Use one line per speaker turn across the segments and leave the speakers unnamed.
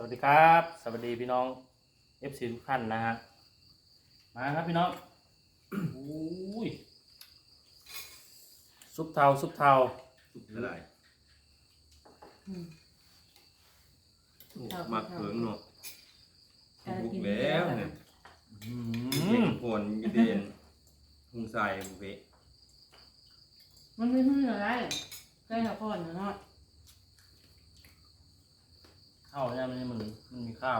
วัสดีครับสวัสดีพี่น้อง FC ทุกท่านนะฮะมาครับพี่น้องอุ้ยซุปเทา
สุกเท่าไหร่มักเผิงเนาะบุกแล้วเนี่ยเห็นผลยีเดนหุงใส่บุเบะ
มันไม่พึ่งอะไรใกล้กับก่อนเนาะ
ข้าวเนี่ยมันมีข้าว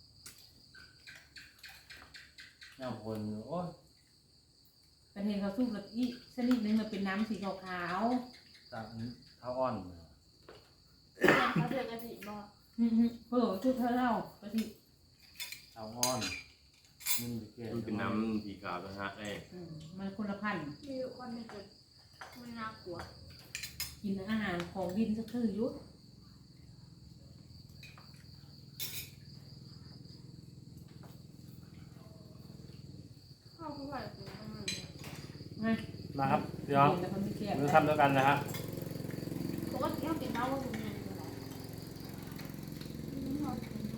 เนี่ยคนโอ้ย
แต่เห็นเขาสู้กับอีชนิดนึงมันเป็นน้ำสีขาว
จากข้าวอ่อน
เขาเดือดกะทิบอก
เพื่อชุดเท่าเล่ากะทิ
ข้าวอ่อนมันไปเกลือ
มันเป็นน้ำสีขาวนะฮะไอ้
มันคนละพันธุ์
มีคนหนึ่งเกิดไม่น่ากลัว
กินอาหารของดินสักคือยุด
ข้าวผู้ใหญ่กินประมาณนี้
ไง
มาครับพี่น้อง
แต่คนไม่เทียบ
มือทำด้วยกันนะฮะ
ปกติเขากินเหล้าก็กินเงินอยู่แล้วเขากินเยอะ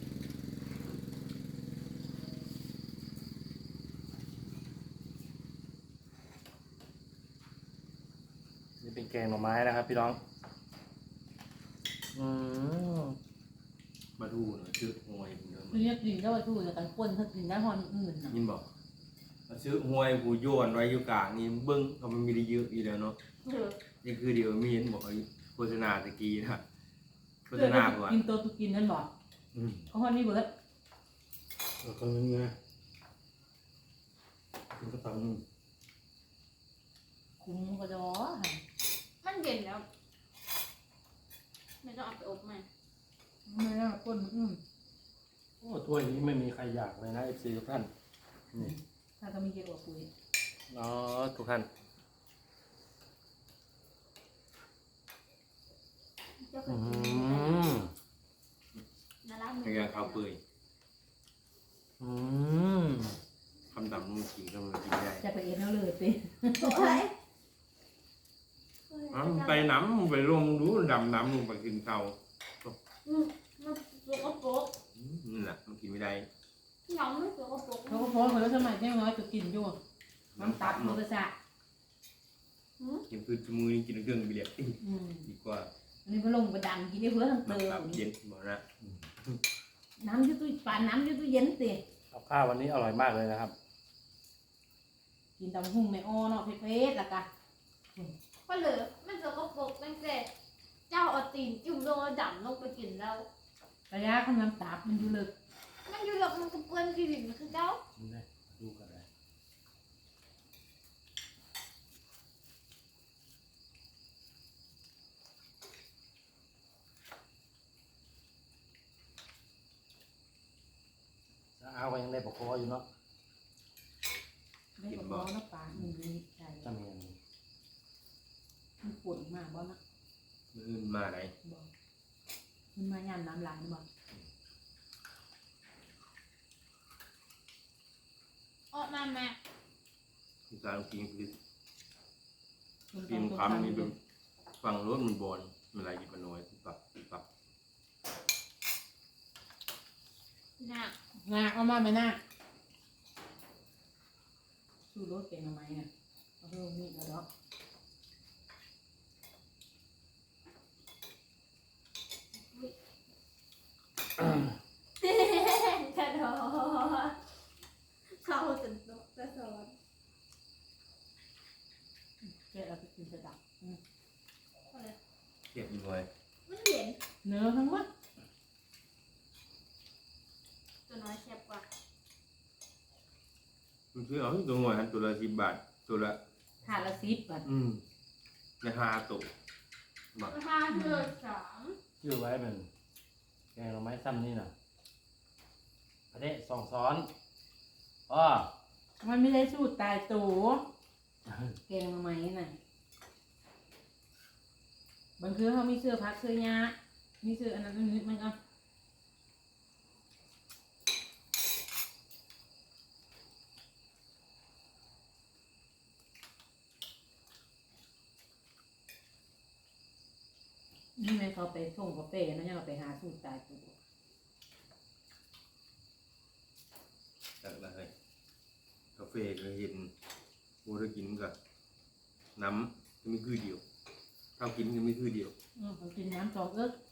นี่เป็นแกงหน่อไม้นะครับพี่น้องอืม
มาดูหน่อยชื่อหวยผมเดิม
คือเนี่ยกินก็ว่าสู้แต่กันป่นถ้ากินได้หอนอื่นนะ
ยินบอกมาชื่อหวยผู้โยนไว้อยู่กลางนี่เบิ้งเขามันมีได้เยอะอีแล้วเนาะ
เออ
นี่คือเดี๋ยวมีเห็นบอกโฆษณาตะกี้นะโฆษณาก่อน
กินตัวตุกินนั่นบอกเขาหอนนี่เบิร์ด
คนนึงไงกินกระตัง
คุ้มก็จะ
มันเย็นแล้ว ไม่ต้องเอาไปอบมัน
ไม่ได้ป่น
โอ้ถ้วยนี้ไม่มีใครอยากเลยนะ FC ทุกท่านนี่
ถ้าก็มีเยอะกว่าปุ๋ย
อ๋อทุกท่าน
เจ้าเค
อื
ยกิน
ม
นารามื
ในการข้าวเปื่อย
อืม
คำดำนุ่งกินก็มันกินได้
จะไปเอ็นเอาเลยเป็น
โอ้ย
ไปน้ำไปลงดูดำน้ำลงไปกินข้าว
มันสกปรก
นั่นแหละมันกินไม่ได้
น้องไม่สกปรก
เขาก็โพสต์มาแล้วสมัยน้อยจะกินอยู่น้ำตับมือกระสะ
กินพืชมือนี่กินเครื่องไปเรียกดีกว่า
อันนี้ก็ลงไปดันกินได้เพื่อทั้งเติ
น้ำ
ม
เย็นบอกนะ
น้ำยืดตู้ปานน้ำยืดตู้เย็นสิ
กับข้าววันนี้อร่อยมากเลยนะครับ
กินตำหุ่งในอ้อเนาะเผ็ดๆละกะ
ก็เหลือมันสกปรกตั้งแต่เจ้าเอาตีนจุ่มลงแล้วดำลงไปกินแล้ว
ระยะของน้ำตับมันอยู่ลึก
มันอยู่หลอกมันก็เปื้อนที่ดินมันคือเจ้า
ดูกันเลยเอาไปยังได้ปกคออยู่เนาะ
ไม่ก็ร้อนน้ำปลามันดีใจ
จำเนียน
มันปวดมากบ่นะ
มือมาไหน
บอกมันมาย่ำน้ำลายบอก
ออกมาแม่
คุณตากินคือกินคำนี่เป็นฟังรถมันบอลมันอะไรกินมันน้อยปรับ
น่ะ
งาเอามาไหมน่าสู้รถเก่งทำไมเนี่ยเอาเพิ่มนี่แล้วเนาะ
กระโดดเข้าจนโต๊ะกระโดด
แกเอาไปกินกระดับ
เทียบหน่อย
มันเย็น
เนื้อทั้งหมด
ตัวน้อยแซ่บกว่า
มันคือเอาตัวหน่วยหันตัวละ10 บาทตัวละ
ถาดละ10 บาท
ใน5ตัวมา
ราคาเดือด3
ชื่อไว้เป็นแกงหน่อไม้ซ้ำนี่น่ะอันนี้สองซ้อนอ้อ
มันไม่ได้สูตรตายตัวเก่งทำไมน่ะบางทีเขามีเสื้อพักเสื้อยามีเสื้ออันนั้นอันนี้มันก็นี่ไงเขาไปส่งกาแฟนะยังเราไปหาสูตรตายตัว
แฟก็เห็นโบได้กินกับน้ำก็มีคือเดียวข้าวกินก็มีคือเดียว
ผมกินน้ำสองเอิ๊ก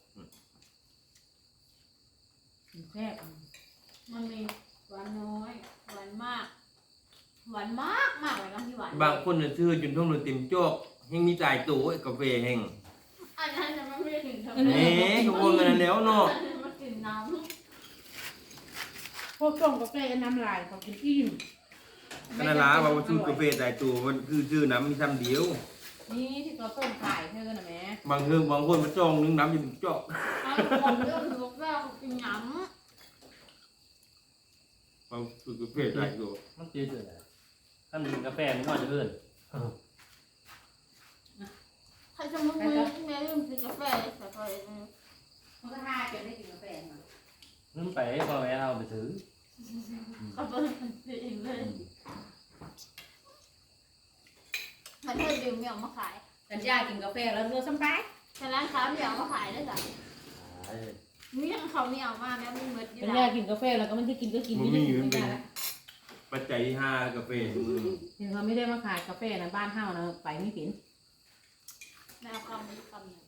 กินแซ่บ
มันมีหวานน้อยหวานมากหวานมากมากเลยนะที่หวาน
บางคนเนี่ยซื้อจนท้องเลยเต็มจอกแห้งมีจ่ายตัวกาแฟแห้ง
อันนั้นจะไม่ได้ถึงเท่า
เอ๊ะก็ว่ามันแล้วเนาะ
มันกินน้
พวกต้มกาแฟน้ำลายเขากินอิ่ม
ก็นั่นล่ะว่าซื้อกาแฟจ่ายตัวมันคือซื้อน้ำมีซ้ำเดียว
นี่ที่เขาต้มขายเท่ากันนะแม่
บางเรื่องบางคนมันจ้องนึงน้ำอยู่ถึงจอก
ำเอาคนเรื่องลูกแล้วกินน้
บางซื้อกาแฟจ่ายตัว
มันจืดเลยถ้ามันกินกาแฟมันก็จะเลื่อน
ำใครจะมาคุยแม่ลืมกินกาแฟใส่ไปเลย
มันก็ท่าจนได้กินกาแฟมา
นึกไปพอแม่เอาไปถือ
ก็เป็นเองเลยมันเธอดื่มเหมียวมาขาย
กันยากินกาแฟแล้วเรือสบาย
แต่ร้านค้าเหมียวมาขายได้จ้ะมีทั้งเขาเหมียวมาแล้วมีเมดอยู่
กัน
แล้
ยาว กินกาแฟแล้วก็ไม่ได้กินก็กินไม่ได้กินไม่ได้ละ
ปัจจัยที่ห้ากาแฟ
ถึงเขาไม่ได้มาขายกาแฟนะบ้านเฮานะไปไม่เป็น
แนวคำนี้คำหนึ่ง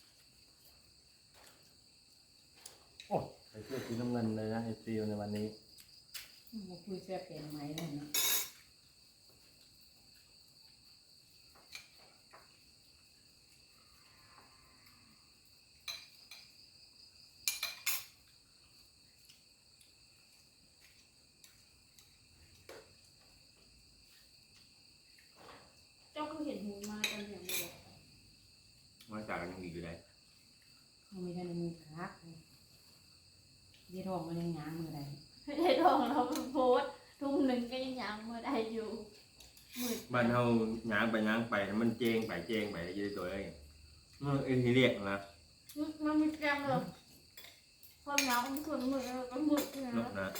โอ้ไปเชื่อสีน้ำเงินเลยนะเอฟซีในวันนี้
มาคุยแซ่บแกงไหมเลยนะ
เจ้าก็เห็นหูมาตอนอย่างเดียว
มาจากกันอีกอยู่ได้
มันมีแต่ในมือคักเดี๋ยวทองมันยังง้างมือใด
ไม่ได้ทองเราโพสต์ทุ่มหนึ่งก็ยังยังเมื่อได้อยู่มืด
บ้านเฮาย่างไปมันเจงไปยืดตัวอะไรเมื่อเอ็นที่เรียกนะ
มันมีแกมเลยความยาวมันส่วนมือแล้วก็มืดนะ
เนาะนะ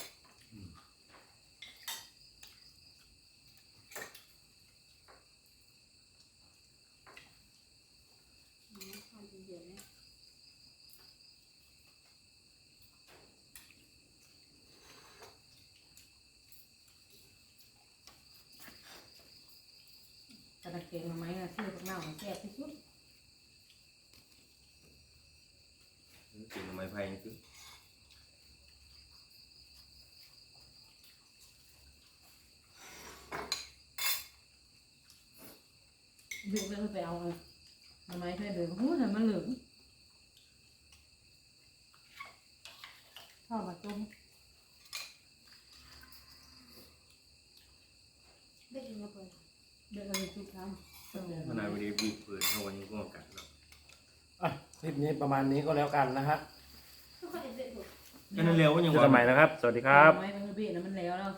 เดี๋ยวนะ
กระเกงมาไหมนะซื้อพวกเน่าแซ่บที่สุด
กินไม้ไผ่คือ
ดูเรื่องไปเอาทำไมเพื่อนเดินหูแต่มันเหลืองชอบมาต้ม
ได้กินมาเปิด
เดินเลยทุกครั้ง
ขนาดวันนี้บีบเปิดเท่าวันนี้ก็กัดเนาะ
อ่ะคลิปนี้ประมาณนี้ก็แล้วกันนะฮะ
ทุกคนเด็ดถูก
ก็นั่นเร็วว่ายัง
เจอกันใหม่นะครับ สวัสดีครับ
ไม้เป็นเบี้ยนะมันแล้ว